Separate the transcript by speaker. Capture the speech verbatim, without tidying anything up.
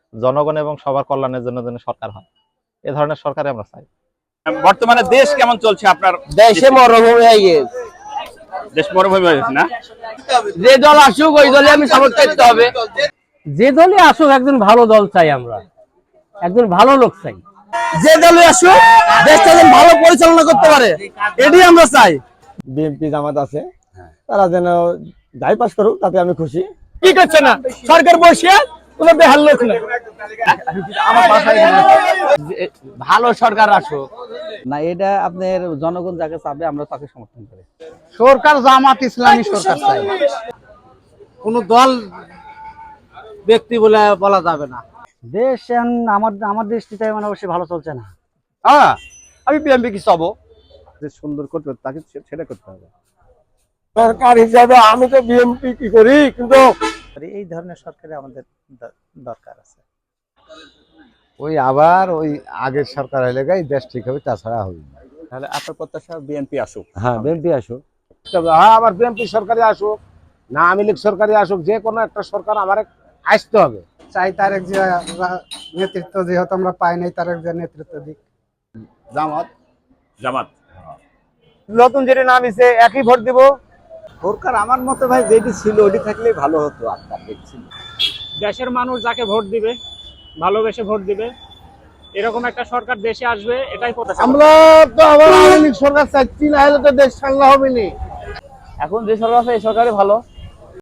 Speaker 1: জনগণ এবং সবার কল্যাণের জন্য যেন সরকার হয়, এ ধরনের সরকারই আমরা চাই।
Speaker 2: বর্তমানে দেশ কেমন চলছে আপনার?
Speaker 3: দেশে মরুভূমি হয়ে গেছে,
Speaker 2: দেশ মরুভূমি হয়ে গেছে না?
Speaker 3: যে দল আসুক ওই দলে আমি সাপোর্ট করতে হবে।
Speaker 4: যে দলে আসুক একজন ভালো দল চাই, আমরা একজন ভালো লোক চাই।
Speaker 3: যে দলে আসুক দেশটা যেন ভালো পরিচালনা করতে পারে, এটাই আমরা চাই।
Speaker 5: বিএনপি জামাত আছে, তারা যেন যাই পাস করুক তাতে আমি খুশি।
Speaker 3: কি করছে না সরকার বসে কোনো বেহাল লোক না।
Speaker 4: ভালো সরকার আসুক না, এটা আপনার জনগণ যাকে চাবে আমরা তাকে সমর্থন করি।
Speaker 3: সরকার জামাত ইসলামী সরকার চাই, কোন দল ব্যক্তি বলে বলা যাবে না।
Speaker 4: দেশ এখন আমার আমার দৃষ্টিতে মানে অবশ্যই ভালো চলছে না।
Speaker 3: হ্যাঁ, আমি বিএনপি কি চাবো,
Speaker 5: যে সুন্দর করতে হবে তাকে সেটা করতে হবে। সরকার হিসাবে আমি তো বিএনপি কি করি, কিন্তু
Speaker 4: এই ধরনের সরকারে আমাদের দরকার আছে।
Speaker 5: ওই আবার ওই আগের সরকার হলে গাই দেশ ঠিক হবে, তাছাড়া হবে না।
Speaker 2: তাহলে আপনার প্রত্যাশা বিএনপি আসুক।
Speaker 5: হ্যাঁ, বিএনপি আসুক।
Speaker 6: হ্যাঁ, আবার বিএনপি সরকারে আসুক না আওয়ামী লীগ সরকারে আসুক, যে কোনো একটা সরকার আমার আসতে হবে।
Speaker 7: চাই তারেক জিয়া নেতৃত্ব, যেহেতু আমরা পাই নাই, তারেক জিয়া নেতৃত্ব দিক।
Speaker 2: জামাত জামাত
Speaker 3: নতুন যেটা নাম এসে একই ভোট দিব।
Speaker 5: সরকার আমার মতে ভাই যেটি ছিল ওটি থাকলেই ভালো হতো। আপনার দেখছিল
Speaker 8: দেশের মানুষ যাকে ভোট দিবে, ভালোবেসে ভোট দিবে, এরকম একটা সরকার দেশে আসবে, এটাই প্রত্যাশা।
Speaker 6: আমরা তো আবার আওয়ামী লীগ সরকার চাচ্ছি, না হলে তো দেশ সাংলা হবে না।
Speaker 3: এখন যে সরকার আছে এই সরকারই ভালো।